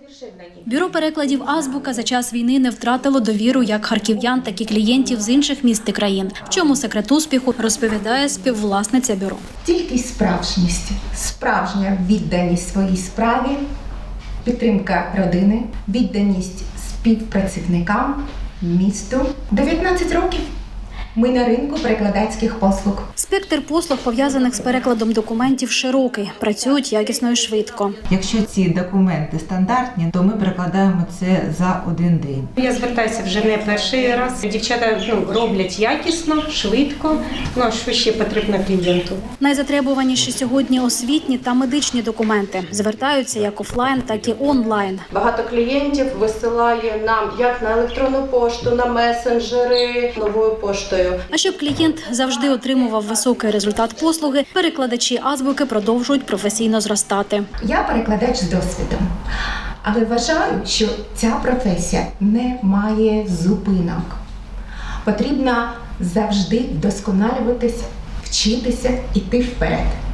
Бюро перекладів «Азбука» за час війни не втратило довіру як харків'ян, так і клієнтів з інших міст і країн. В чому секрет успіху, розповідає співвласниця бюро. Тільки справжність, справжня відданість своїй справі, підтримка родини, відданість співпрацівникам, місту. 19 років. Ми на ринку перекладацьких послуг. Спектр послуг, пов'язаних з перекладом документів, широкий. Працюють якісно і швидко. Якщо ці документи стандартні, то ми перекладаємо це за один день. Я звертаюся вже не перший раз. Дівчата роблять якісно, швидко, а що ще потрібно клієнту. Найзатребуваніші сьогодні освітні та медичні документи. Звертаються як офлайн, так і онлайн. Багато клієнтів висилає нам як на електронну пошту, на месенджери, новою поштою. А щоб клієнт завжди отримував високий результат послуги, перекладачі «Азбуки» продовжують професійно зростати. Я перекладач з досвідом, але вважаю, що ця професія не має зупинок. Потрібно завжди вдосконалюватись, вчитися, іти вперед.